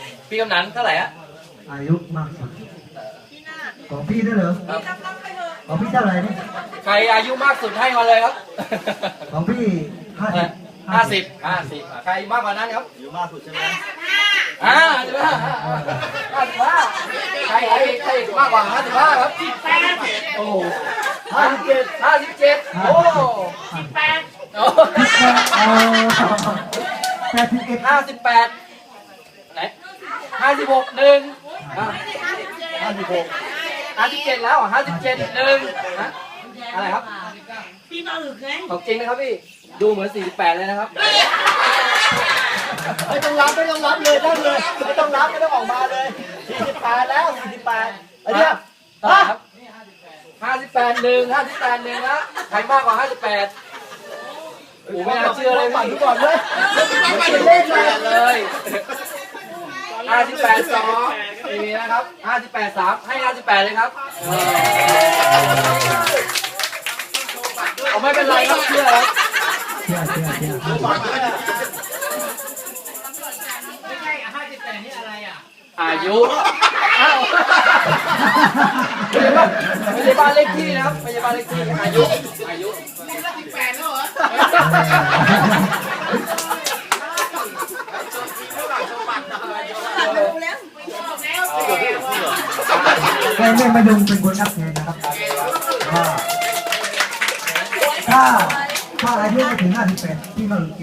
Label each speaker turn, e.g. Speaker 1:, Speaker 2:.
Speaker 1: พี่กำนันเท่าไหร่ฮะ
Speaker 2: อายุมากสุดของพี่ด้วยเหรอของพี่เท่าไหร่นี่
Speaker 1: ใครอายุมากสุดให้มาเลยครับ
Speaker 2: ของพี่
Speaker 1: 50ใครมากกว่านั้นครับ
Speaker 2: อายุมากสุดใช่ไหม
Speaker 1: 55ใครมากกว่า55ครับโอ้โห57โอ้58ไหน56 1 57แล้ว57 1อะไรครับ
Speaker 3: พี่มาอึกไง
Speaker 1: ของจริงนะครับพี่ดูเหมือน48เลยนะครับ
Speaker 2: ไม่ต้องรับเลยได้เลยไม่ต้องรับไม่ต้องออกมาเลย48แล้ว48ไอ้เนี่ย
Speaker 1: ครับ58 1นะใครมากกว่า58โอ้ไม่น่าเชื่อเลยพี่ก่อนเลยเล่นเลย58 2มีนะครับ58 3ให้58เลยครับไม่เป็นไรครับเชื่อครับ
Speaker 3: ไม่ใช่58นี่อะไรอ่ะ
Speaker 1: อายุไม่ใช่บ้านเลขที่นะครับไม่ใช่บ้านเลขที่อายุ
Speaker 3: นี่ก็18แล้วเหรอ
Speaker 2: ไม่มาดูเป็นคนนับเงินนะครับถ้าอายุไม่ถึง58พี่มา